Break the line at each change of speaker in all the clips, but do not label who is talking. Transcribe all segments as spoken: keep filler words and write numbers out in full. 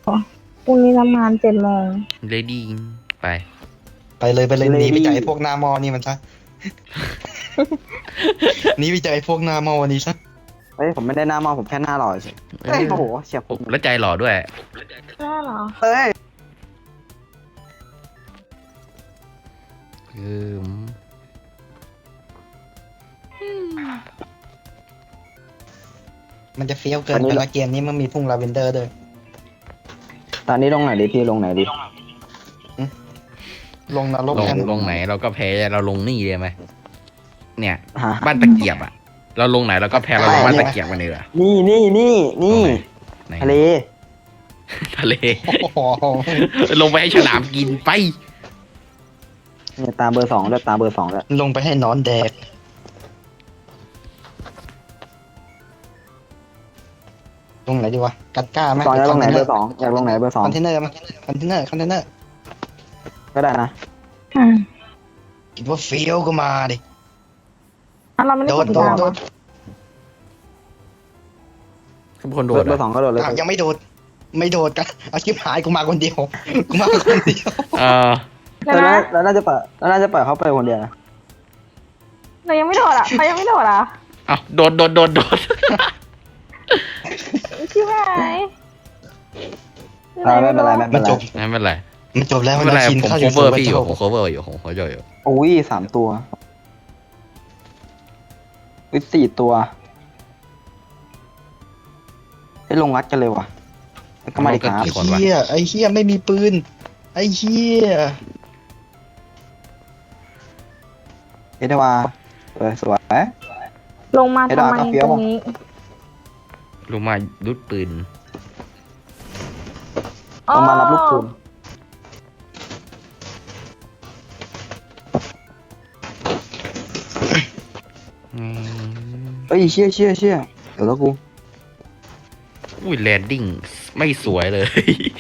พรุ่งนี้ทำงานเจ็ดโมง
เลดี้ไป
ไปเลยไปเลยหนีไปจากไอ้พวกหน้ามอนี่มันซะหนีไปจากไอ้พวกหน้ามอนี่ซะ
เฮ้ยผมไม่ได้หน้ามองผมแค่หน้าหล่อเฉยเฮ้ยโอ้โหเฉียบผม
แล้วใจหล่อด้วย
ใช่เหรอ
เฮ้ย
อืม
มันจะเฟี้ยวเกินไปละเกมนี้มันมีทุ่งลาเวนเดอร์ด้วย
ตอนนี้ลงไหนดิพี่ลงไหนดิ
ลงนรก
ลง
กัน
ลงไหนเราก็แพ้เราลงนี่เลยไหมเนี่ย
ฮะ
บ้านตะเกียบอ่ะ เราลงไหนเราก็แพ้เราลงบ้านตะเกียบกันเลยเหรอ
นี่นี่นี่นี่
ไหน
ทะเล
ทะเล
โอ้โห
ลงไปให้ฉลามกินไป
เนี่ยตามเบอร์สองด้วยตามเบอร์สองด้วย
ลงไปให้นอนแดกลงไหนดีวะกัดก้าไหม
สองอยากลงไหนเบอร์สองอยากลงไหนเบอร์สอง
คอนเทนเนอร์มั้ยคอนเทนเนอร์คอนเทนเนอร์
ก็ได้นะ
อืม
คิดว่าเฟี้ยวก็มาดิ
อ่ะเราไม่ได้
โด
ก
ด
ด
โด
ติด
ด
ตาม
โด
อ่ะ
ด
ทุกคนโด
เบอ
ด
ร์เบอร์สองก็โดดเลย
อ้าวยังไม่โดด ไม่โดดกันเอาชิบหายกูมาคนเดียวกูมาคนเดียว
เออ
เดี๋ยว
แล้ว
นะ
แล้วน่าจะเปิดแล้วน่าจะเปิดเขาไปคนเดียวนะ
เรายังไม่โดดอ่ะเขายังไม่โดดอ่ะ
เอาโดดโดดโดดโดด
ชิบหาย
อ่าไม่เป็นไรไม่เป็
มัน
นไร
จบ
ไม่เป็นไร
มันจบแล้ว
ไม่
มัน
เป็นไร
ชิน
ผม
เข้าอ
โค
ยู่
เวอร์
สู่
พี่อยู่
พระ
ผมโคเวอร์อยู่ผมโคเวอร์อยู่
อุ้ยสามตัวอุ้ยสี่ตัวให้ลงวัดกันเลยว่ะแล้วก็มาดิครับ
ไอ้เหี้ยไอ้เหี้ยไม่มีปืนไอ้เหี้ย
เอเดวาเออสวย
ลงมาทำไม
ไอ้ดอกกระเฟี้ยว
ตรงนี้
ลงมาดุดปืน
ต้องมารับลูกคุณ
อืม
เอ้ยเชี่ยเชี่ยเชี่ยเดี๋ยวแล้วกู
อุ้ยแลนดิ้งไม่สวยเลย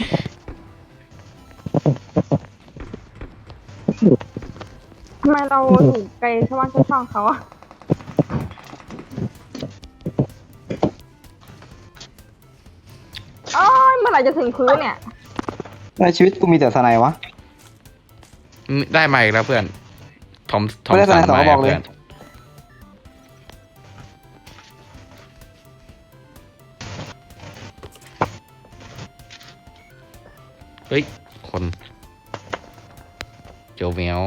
ทำไมเราอยู่ไกลชาวบ้านชาวช่องเขาอ่ะโอ้ยเมื่อไหร่จะถึงพื้นเนี่ย
ในชีวิตกูมีแต่สไนวะ
ได้มาอีกแล้วเพื่อนทอมทอม
ไม่ได้
สัน
สไนด์สอง
มาก
ระบอกเลย
เพื่อนเฮ้ย คนเจียวแมว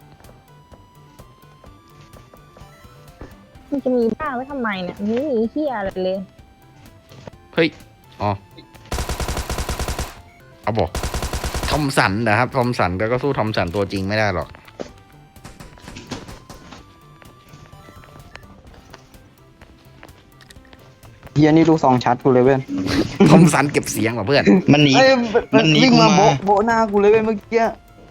มันจะมีบ้าไว้ทำไมเนี่ยมันไม่มีเหี้ยอะไรเลย
เฮ้ย อ๋อ เอาบอก ทอมสันนะครับ ทอมสันก็ก็สู้ทอมสันตัวจริงไม่ได้หรอก
เฮียนี่ลูกซองชัดกูเลยเว้ย
ทอมสันเก็บเสียงว่ะเพื่อน
มันหนี
เอ้ย
มันหนี
วิ่ง
กู
มา
มา
โบะโบะหน้ากูเลยเว้ยเมื่อกี้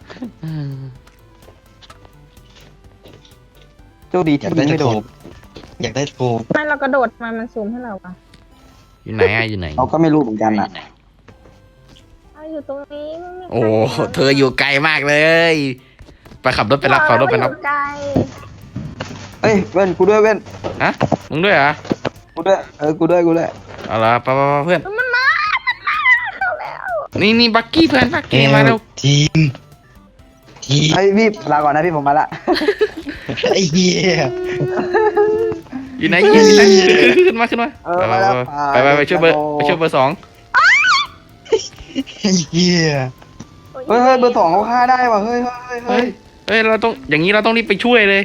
โชคดี
อ
ที่
ยาก
ยิ
ได้
งไม่โด
ถู
น
กอยากได้ถูก
ไม่เรากระโดดมามันซูมให้เราปะ
อยู่ไหนอะอยู่ไหน
เราก็ไม่รู้เหมือนกันอ่ะ
เอาอยู่ตรงนี้ไม่มีใคร
โอ้
ห็นรา
เธออยู่ไกลมากเลย ไปขับรถไปรับขับรถไปรับ
อยู่ไกล
เอ้ยเว้นกูด้วยเว้น
ฮะ มึงด้วยเหรอ
กูด้วยเออกูด้วยกูด้วย
เอาละไปไปไปเพื่อน
มันมา มันมาเข้าแล้ว
นี่นี่บักกี้เพื่อนบัก
เอ
กี้มา
ล
แล้ว
ทีมทีม
ไอ้ยพี่ลาก่อนนะพี่ผมมาละ
ไอ้เหี้ย
อยู่ไหนอยู่ไหนขึ้นมาขึ้นมา
เออ
ไป
มาแล้ว
ไปไปไปไปช่วยเบอร์ไปช่วยเบอร์สอง
ไอ้เหี้ย
เฮ้ยเฮ้ยเบอร์สองเขาฆ่าได้ว่ะเฮ้ยเฮ้ยเฮ้ย
เฮ้ยเฮ้ยเราต้องอย่างนี้เราต้องรีบไปช่วยเลย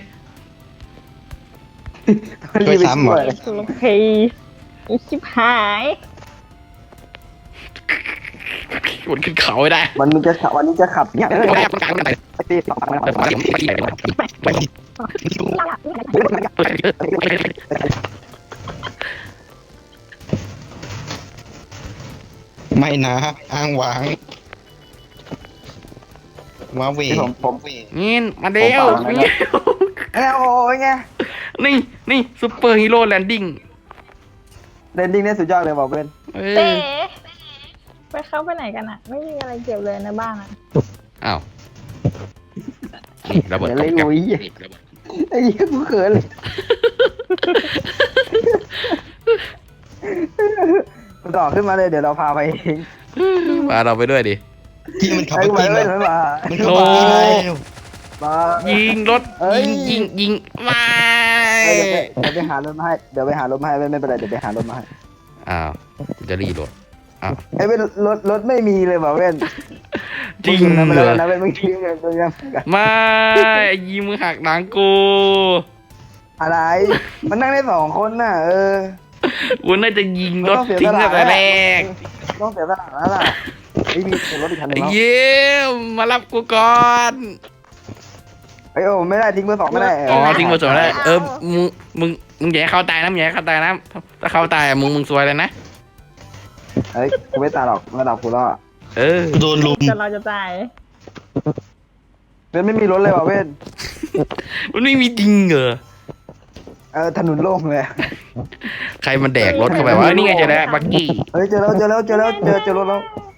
ช่วยซ้ำเหรอ
โอเคอีชิบหาย
วนขึ้นเขาไม่ได้
วันนี้จะขับวันนี้จะขับเนี่ยเฮ้ยพี่สองพันแล้ว
ไม่นะอ้างหวางว้าเว
พี่ผมผม
นี่มาเร็ว
ผมเปล่านะ เอ้ยโอ้ยไง
นี่นี่ซูเปอร์ฮีโร่แลนดิ้ง
เรนดิ้งเนี่ยสุดยอดเลยบอกเพื่อน
เอ
เต๋
อ
ไปเข้าไปไหนกันอะไม่มีอะไรเก็บเลยในบ้านอะ
อ้าวนี่ระเบิด
เดี๋ยว
ต
เลย
กแก๊ป
โอ้ยไอ้เหี้ยกูเขินเลยต่อขึ้นมาเลยเดี๋ยวเราพาไปเอง
พาเราไปด้วยดิ
ที่มันขับ
ไอ้
รถ
ไม่
จริง
ไม่
เลย
ไม่มา
มันขับรถจริงเลย
มา
ยิงรถ
เอ้ย
ยิงยิงยิงไม่
เดี๋ยวไปหารถมาให้เดี๋ยวไปหารถมาให้ไม่เป็นไรเดี๋ยวไปหารถมาให้
อ้าวจะรีรถอ้าว
ไอ้เป็นรถรถไม่มีเลยว่ะเว้น
จริง
นะ
เหรอ
นะเว้นมึงทิ้งเลยมึงยัง
ไม่ยิงมือหักหลังกู
อะไร มันนั่งได้สองคนน่ะ เออ
กูน่าจะยิงรถทิ้งตั้งแต่แรก
ต้องเสียสละแล้วล่ะไม่มีรถอีกคันหนึงแล้ว
เยี่ยมมารับกูก่อน
ไอ้โอ้ไม่ได้ทิ้งเบอร์สองไม่ได้
อ๋อทิ้งมาสวนแล้วเออมึงมึงมึงอย่าให้เขาตายนะมึงอย่าให้เขาตายนะถ้าเขาตายอะมึงมึงซวยเลยนะ
เฮ้ยกูไม่ตายหรอกระดับกูแล้ว
เออ
โดนลุม
แต่เราจะตาย
เว้นไม่มีรถเลยว่ะเว้น
มันไม่มีจริงเหรอ
เออถนนโล่งเลย
ใครมันแดกรถเข้าไปวะเอ้ยนี่ไงเจอแล้วบักกี้
เฮ้ยเจอแล้วเจอแล้วเจอแล้วเจอเจอรถแล้ว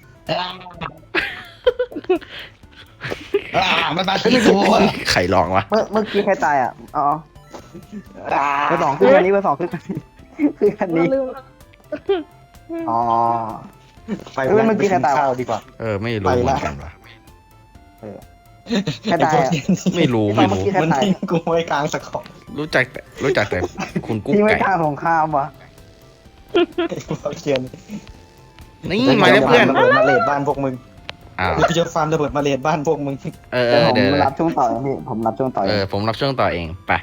อ่ามันมาที่ตัว
ใครลองวะ
เมื่อเมื่อกี้ใครตายอ่ะอ๋อเบอร์สองขึ้นคันนี้เบอร์สองขึ้นคันนี้ขึ้นคันนี้
ลืม
อ๋อ
ไป
เอ้ยเมื่อกี้ใครตาย
ข้าวดีกว่า
เออไม่รู้เหมือนกันวะ
ใครตายอ่ะ
ไม่รู้
ไม่
ไม่
รู้
รู้
มันทิ้งกูไว้กลางสะขอบ
รู้จักแต่รู้จักแต่คุณกุ๊ก
ที่ไม่
ไก่
กล้าสงครามวะ
เอาเชียน
นี่มาแล้วเพื่อน
ระเบิดมาเลดบ้านพวกมึง
อ้าว
กูจะฟาร์มระเบิดมาเลดบ้านพวกมึง
เออเอ
เดี๋ยว
อ
ผม
เดี๋ยว
รับช่วงต่อเองพี่ผมรับช่วงต่อเอ
เอง อผมรับช่วงต่อเองไป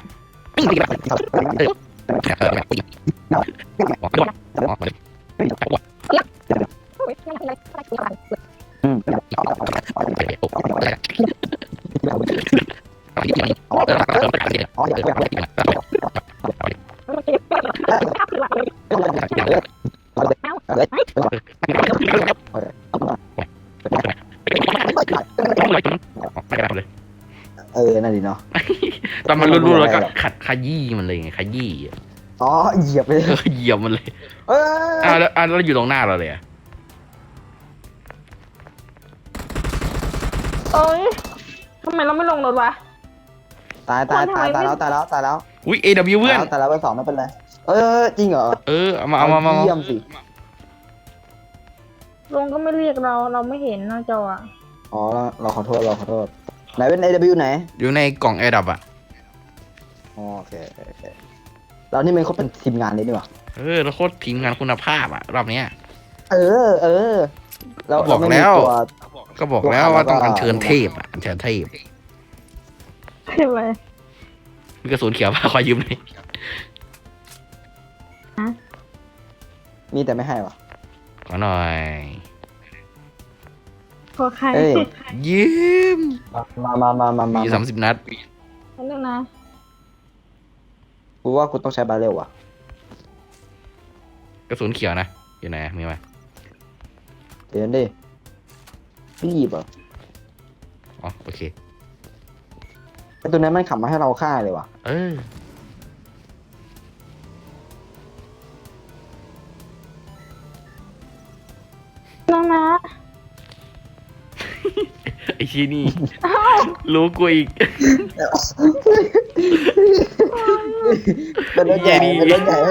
อืม เออนั่นดิเนาะ
ตอนมันรู้ๆแล้วก็ขัดขยี้มันเลยไงขยี้
อ๋อเหยียบเลย
เออเหยียบมันเลย
เออ
อ้าวแล้วอ้าวแล้วอยู่ตรงหน้าเราเลยอะ
โอ้ยทำไมเราไม่ลงรถวะ
ตายตายตายตายแล้วตายแล้วตายแล้ว
อุ้ย เอ ดับเบิลยู เพื่อน
ตายแล้วเบอร์สองไม่เป็นไรเออจริงเหรอ
เออเอามาเอามาเอามา
เยี่ยมสิ
ลงก็ไม่เรียกเราเราไม่เห็นหน้าจออะ
อ๋อเราเราขอโทษเราขอโทษไหนเป็น เอ ดับเบิลยู ไหน
อยู่ในกล่องแอร์ดับอ่ะ
อ๋อโอเคโอเคโอเคเรานี่มันเขาเป็นทีมงานเลยนี่หว่า
เออแล้วโคตรทีมงานคุณภาพอ่ะรอบเนี้ย
เออ เออเรา
บอก
เราไม่มี
แล้ว
ตัว
ก็บอกแล้วว่าต้องอัญเชิญเทพอ่ะอัญเชิญเทพ
ใช่ไหม
มีกระสุนเขียวป่ะขอยืมหน่อย
มีแต่ไม่ให้วะ
ขอหน่อย
พอใคร
เอ้ย
ยิ้ม
มามามามามา
มีสามสิบนัด
นั่นนึงนะ
กูว่ากูต้องใช้บาเรลว่ะ
กระสุนเขียวนะอยู่ไหนมีไหม
เดี๋ยวดิพี่หยิบเหรอ
อ๋อโอเค
ไอตัวนั้นมันขับมาให้เราฆ่าเลยว่ะ
เออ
น้องนะ
ไอชีนี่ รู้กูอีก
เป็นรถใหญ่
เหี้ยดิ
เป็นรถใหญ่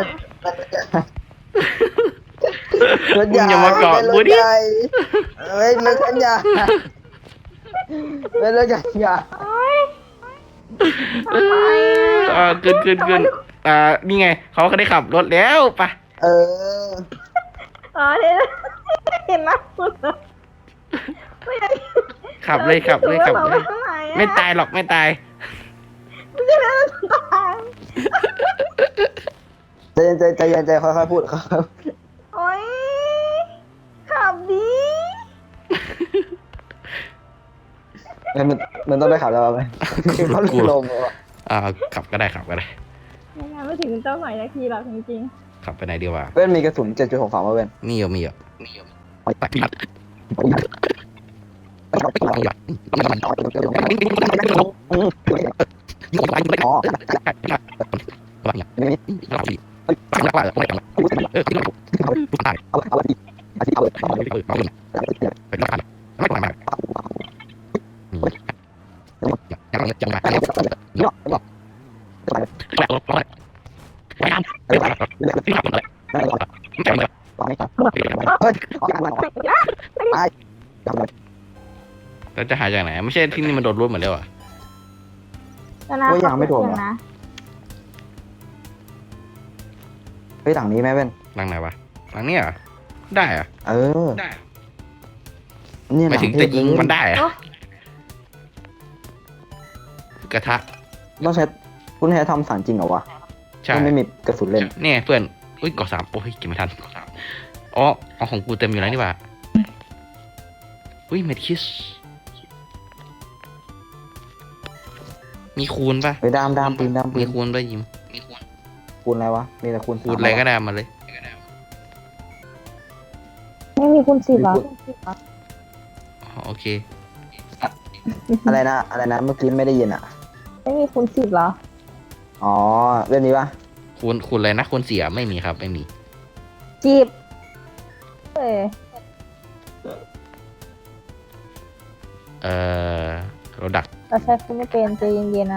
รถใหญ่
มึงอย่ามาเกาะ
เป็นร
กู
ถ
ดิ
ใหญ่เฮ้ยรถคันใหญ่เป็นรถใหญ่ใหญ่
โอ๊ยทำไม
อ่าขึ้นขึ้นขึ้นอ่านี่ไงเขาก็ได้ขับรถแล้วไปะ
เออ
อ๋อเห็นเห็นหน้าคุณเหรอไม่ได้
ขับเลยขับเลยขับเลย
ราไปข้างในอะ
ไม่ตายหรอกไม่ตาย
ไม่ใช่แล้วตาย
ใจเย็นใจใจเย็นใจค่อยๆพูดครับ
โอ๊ยขับดี
มันมันต้องไปขับแล้วไหมเขาลงเลยว่ะ
อ่าขับก็ได้ขับก็ได้
ไม่งั้นไม่ถึงเจ้าหน่อยนาทีหรอกจริง
ขับไปไหนดีวะ
เว้นมีกระสุนเจ็ดจุดหกสองมาเว้น
มีเหรอมีเหรอมีเหรอไปไป
วางไม่ครับเฮ้ยออกจากบ้านออกไปจับเลย
เราจะหาจากไหนไม่ใช่ที่นี่มันโดนรูดหมดแล้วอ่ะ
ว่ายังไม่โดนเหรอ
นะ
เฮ้ยหลังนี้ไหมเว้น
หลังไหนวะหลังเนี้ยเหรอได้เหรอะ
เออนี่
หมายถึงจะยิงมันได้เหรอะกระทะ
ต้องใช้คุณใช้ทำสารจริงเหรอวะ
ใช่
มันไม่มีกระสุนเล่น
เนี่ยเพื่อนอุ้ยกอสามโอ้ยเก็บไม่ทันอ๋อเอาของกูเต็มอยู่แล้วนี่หว่าอุ้ยเมดคิสมีคูณป่ะ
ไปดามดามปืนดามปื
มี
น
คูณป่ะยิม
คูณอะไรวะมีแต่คูณ
คูณอะไรก็ได้มาเลย
ไม่มีคุณสิบเหรอ
อ๋อโอเค
อะไรนะอะไรนะเมื่อกี้ไม่ได้ยินอ่ะ
ไม่มีคุณสิบเหรอ
อ๋อเรื่องนี้ปะ
คูณคูณอะไรนะคูณเสียไม่มีครับไม่มี
จีบเอ้ย
เอ่อเราดัก
เราใช้คุณไม่เป็นใจเย็นๆนะ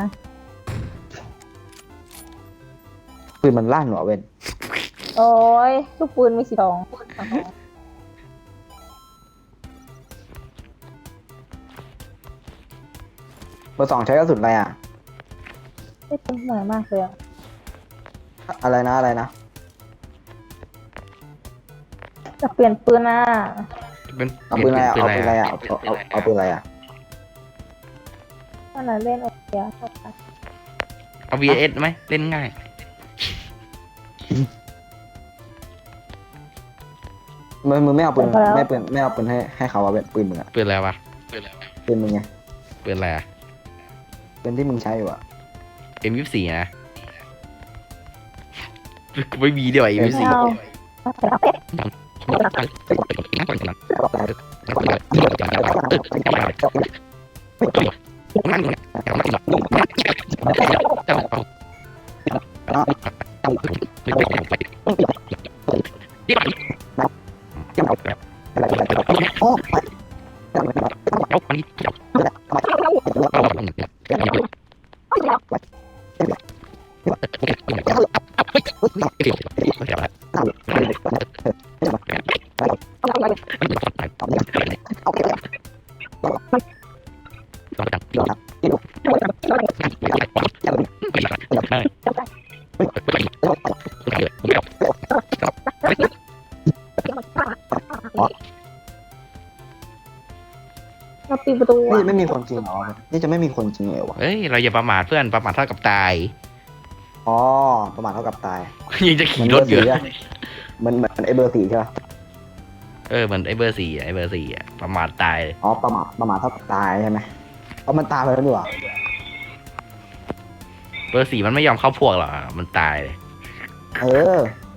ปืนมันลั่นเหรอเว้น
โอ้ยลูกปืนมีสีทอง
เบอร์สองใช้กระสุนอะไรอ่ะ
ไม่เป็นหน่อยมากเลยอะ
อะไรนะอะไรนะ
จะเปลี่ยนปืนนะ
เป็น
เอาปืนอะไรอ่ะ
ป็
เอา
น
ปืนอะไรอ่ะเอาเอาเอาปืนอะไรอ่ะ
ขนาดเล่นโอเคอะ
เอา วี เอส ไหมเล่นง่าย
มึงมึงไม่เอาปืนไม่ปืนไม่เอาปืนให้ให้เขาว่าเป็นปืนมึงอ่ะ
ปืนอะไรวะ
ปืนมึงไง
ปืนอะไรอะ
ปืนที่มึงใช้อยู่อ่ะ
เอ็มยี่สิบสี่นะไม่มีเดียวเอ็มยี่สิบ
ไม่
สี่
เอา เราปิดประตู
นี่
อะ
ไม่มีคนจริงเหรอนี่จะไม่มีคนจริงเหรอวะ
เฮ้ยเราอย่าประมาทเพื่อนประมาทเท่ากับตาย
อ๋อประมาณเท่ากับตาย
ยังจะขี่รถอยู่
เหมือนเหมือนไอ้เบอร์สี่ใช่ปะ
เออเหมือนไอ้เบอร์สี่อะไอ้เบอร์สี่อะประมาทตายเลย
อ๋อประมาทประมาทเท่ากับตายใช่ไหมเอามันตายไปแล้วดีกว่า
เบอร์สี่มันไม่ยอมเข้าพวกหรอกอะมันตายเลย
เออ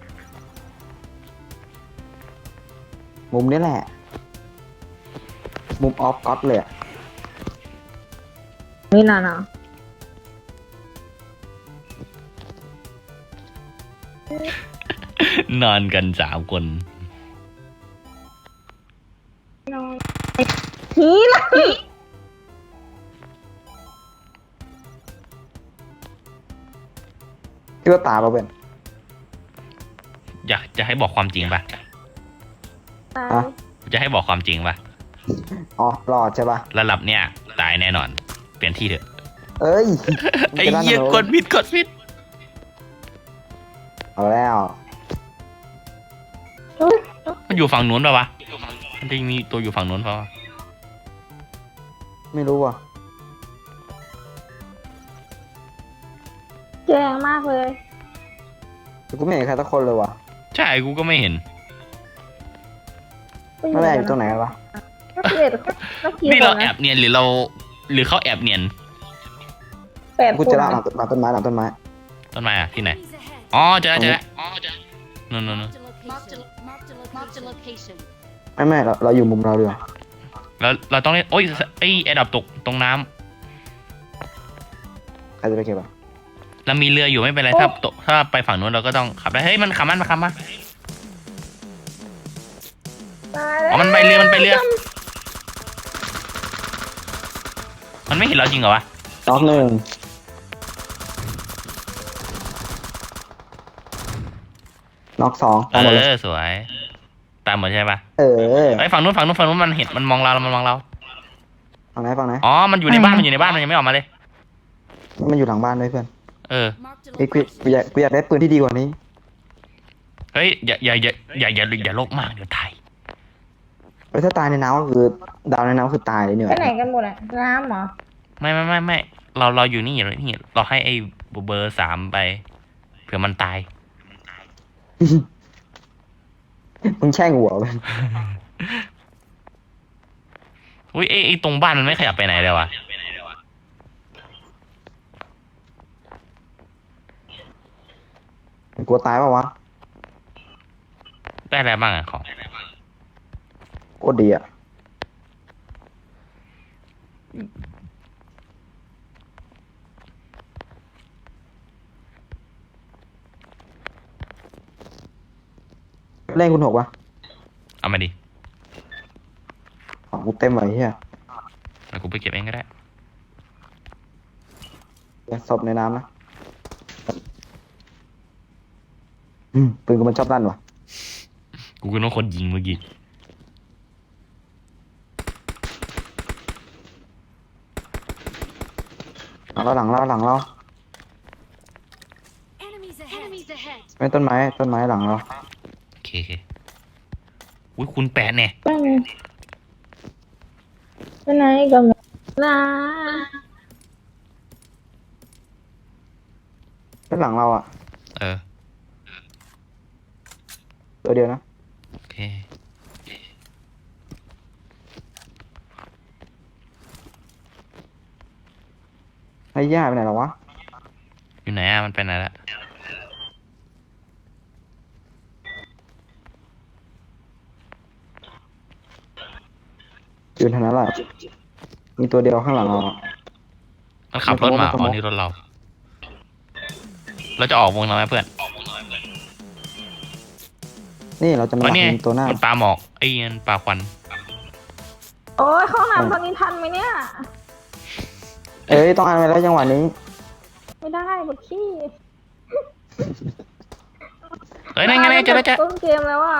มุมนี้แหละ มุมออฟก็อตเลยอะ
นี่น่ะนะ
นอนกันสามคน
ผีละ
คิดว่าตายปะเป็น
อยากจะให้บอกความจริงปะ
อ่ะ
จะให้บอกความจริงปะ
อ๋อรอดใช่ปะ
ระดับเนี้ยตายแน่นอน เปลี่ยนที่เถอะ
เอ้ย
ไอ้เหี้ยกดผิดกดผิด
เอาแล้ว
มันอยู่ฝั่งนู้นปะวะมันจะมีตัวอยู่ฝั่งนู้นปะวะ
ไม่รู้ว่ะ
แจ้งมากเลย
แต่กูไม่เห็นใครสักคนเลยว่ะ
ใช่กูก็ไม่เห็น
นั่นแหละอยู่ตรงไหนกันวะ
นักเรียนนักกี
นี่
ฬา
เรา
นะ
แอบเนียนหรือเรา หรือเขาแอบเนียน
แปดค
กู
น
จะล่าหลั
นะ
งต้นหลังต้นไม้หลังต้นไม้
ต้นไม้อะที่ไหน อ๋อเจอแล้วเจอแล้วอ๋อเจอนู่นนู่นนู่น
Marked a, marked a, marked a location.
ไม่ไม่เราเราอยู่มุมเราดีกว่า
เราเราต้องเล่นโอ้ยไอ้แอร์ดับตกตรงน้
ใครจะไปเก็บอ่ะ
ำเรามีเรืออยู่ไม่เป็นไรถ้าตกถ้าไปฝั่งนู้นเราก็ต้องขับได้เฮ้ยมันขับมันมาขับมา
ตาย
อ๋
แล้ว
อมันไปเรือมันไปเรือ มันไม่เห็นเราจริงเหรอวะ
น็อกหนึ่งน็อกสอง
เอ
เอาหมดเลย
อสวยตายหมดใช่ปะ
เออ
ไอ้ยฝั่งนู้นฝั่งนู้นฝั่งนู้นมันเห็นมันมองเรามันมองเรา
ฝั่งไหนฝั่งไหน
อ๋อมันอยู่ในบ้านมันอยู่ในบ้านมันยังไม่ออกมาเลย
มันอยู่หลังบ้านด้วยเพื่อน
เออ
Marked a
เฮ้ยกูกู
location.
อยากกูอยากได้ปืนที่ดีกว่านี้
เฮ้ยอย่าอย่าอย่าอย่าอย่าอย่าโลกมากเดี๋ยวตาย
เฮ้ยถ้าตายในน้ำก็คือดาวในน้ำคือตายเลยเนี่ย
ไปไหนกันหมดอะน้ำเหรอ
ไม่ไม่ไม่ไม่เราเราอยู่นี่อยู่นี่เราให้ไอ้เบอร์สามไปเผื่อมันตาย
มึงแช่งหัวไป
อุ้ยไอ้ไอ้ตรงบ้านมันไม่ขยับไปไหนเลยวะ
กลัวตายเปล่าวะ
ได้อะไรบ้างอะของ
โคตรดีอ่ะเล่นคุณหกวะ
เอามาดิ
ของกูเต็มไว้เฮีย
แล้วกูไปเก็บเองก็ได้
อย่าศพในน้ำนะอืมปืนกูมันชอบลั่นวะ
กูก็ต้องคนยิงเมื่อกี้
หลังเราหลังเราหลังเรา
Enemies ahead. Enemies ahead.
ไม่ต้นไม้ต้นไม้หลังเรา
โอเคโอเคอุ้ยคุณแปดเนี่ย
ไปไหนไปไหนกันหมดลา
ด้านหลังเราอ่ะ
เออ
ตัวเดียวนะ
โอเค
ไอ้ย่าไปไหนหรอวะ
อยู่ไหนอะมันไปไหนละ
อยู่ทางนั้นแหละมีตัวเดียวข้างหลังเราอะ
มันขับรถมา
มันขโมย
อ๋อนี่รถเรา เราจะออกวงแล้วไหมเพื่อน
นี่เราจะมา
อ๋อ
หลั
นี่ไง
งตัวหน้า
มันปลาหมอกไอ้มันปลาควัน
โอ้ยเข้าห้องน้ำตอนนี้ทันไหมเนี่ย
เอ้ยต้องอ่านไปแล้วจังหวะนี้
ไม่ได้บทขี้
เฮ้ยนั่นไงนั่นไงเจอแล้วเจอ
ต้นเกมแล้วอ่ะ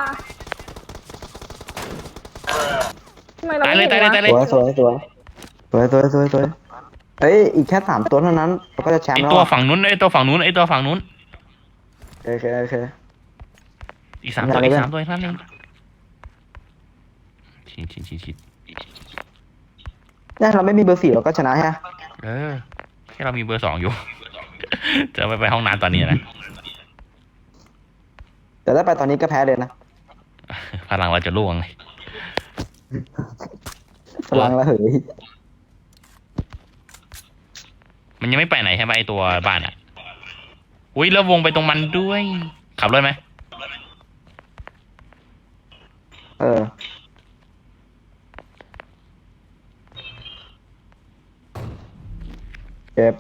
ทำไมเรา
ตายเลย
ไม่
ตายเลย
ห็น
ตายเลย
สวยสวยสวยสวยสวยสวยสวยเอ้ยอีกแค่สามตัวเท่านั้นเราก็จะแชม
ไอ
ป์แล้ว
ตัว
อะ
ฝั่งนู้นไอตัวฝั่งนู้นไอตัวฝั่งนู้น
โอเคโอเค
อีกสามตัว
ได้
อีก
เลย
สามตัวอีกนั่นเองชิดชิดชิดชิด
เนี่ยเราไม่มีเบอร์สี่เราก็ชนะฮะ
เออแค่เรามีเบอร์สองอยู่ จะไปไปห้องน้ำตอนนี้นะ
แต่ถ้าไปตอนนี้ก็แพ้เลยนะ
พลังเราจะล่วงเลย
พลังระเหย
มันยังไม่ไปไหนใช่ไหมไอตัวบ้านอ่ะ อุ้ยแล้ววงไปตรงมันด้วย ขับรถไหม
เออเจ็บ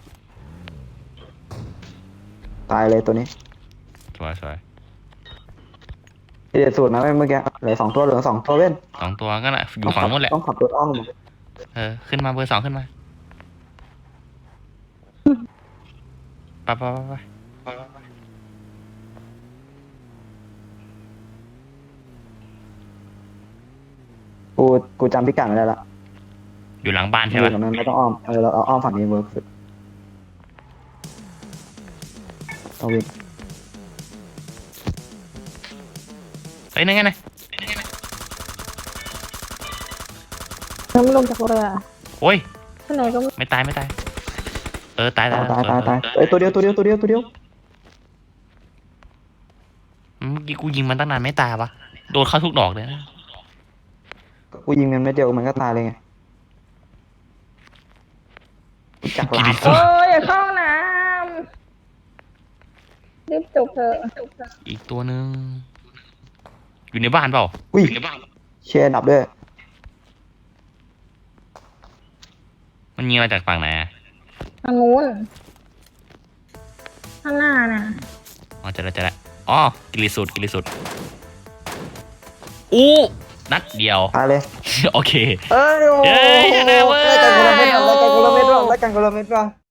ตายเลยตัวนี้
สวยสวย
ที่เด็ดสุดนะเมื่อกี้เหลือสองตัวเหลือสองตัวเว้น
สองตัวก็น่ะอยู่ฝั่งนู้นแหละ
ต้องขับรถอ้อม
เออ ขึ้นมาเบอร์สองขึ้นมาไปไปไปไป
กูกูจำพิกัดไม่ได้ละ
อยู่หลังบ้าน
อ
ใช่ไหม
ยู่ตรงนั้นไม่ต้องอ้อมเออเราเอาอ้อมฝั่งนี้เวิร์กสุดเอาวิ่ง
เฮ้ยนั่นไงนะ
ยังไม่ลงจากเรือ
โอ้ย
ไปไหนก็ไม่
ไม่ตายไม่ตาย เออ ตาย
ตายตายตายตาย
เออ
เอ้ยตัวเดียวตัวเดียวตัวเดียวตัวเดียว
เมื่อกี้กูยิงมันตั้งนานไม่ตายวะโดนเข้าทุกดอกเลยนะ
กูยิงมันไม่เดียวมันก็ตายเลยไงกูจักรลาบ
โอ้ยอย่าเข้าห้องน้ำรีบจบเถอะจบเถอะ
อีกตัวหนึ่งอยู่ในบ้านเปล่า
อุ้ย
อยู่ในบ้าน
เชียร์ดับด้วย
มันยิงมาจากฝั่งไหนอะ
ทางนู้นข้างหน้าน่ะ
อ๋อเจะแล้วเจะแล้วอ๋อกิริสุดกิริสุดอู้นัดเดียว
ตายเลย
โอเค
เอ้ยโอ้
เย้ชนะเว้ย
รายการคนละเม็ดว่ะรายการคนละเม็ดว่ะรายการคนละเม็ดว่ะ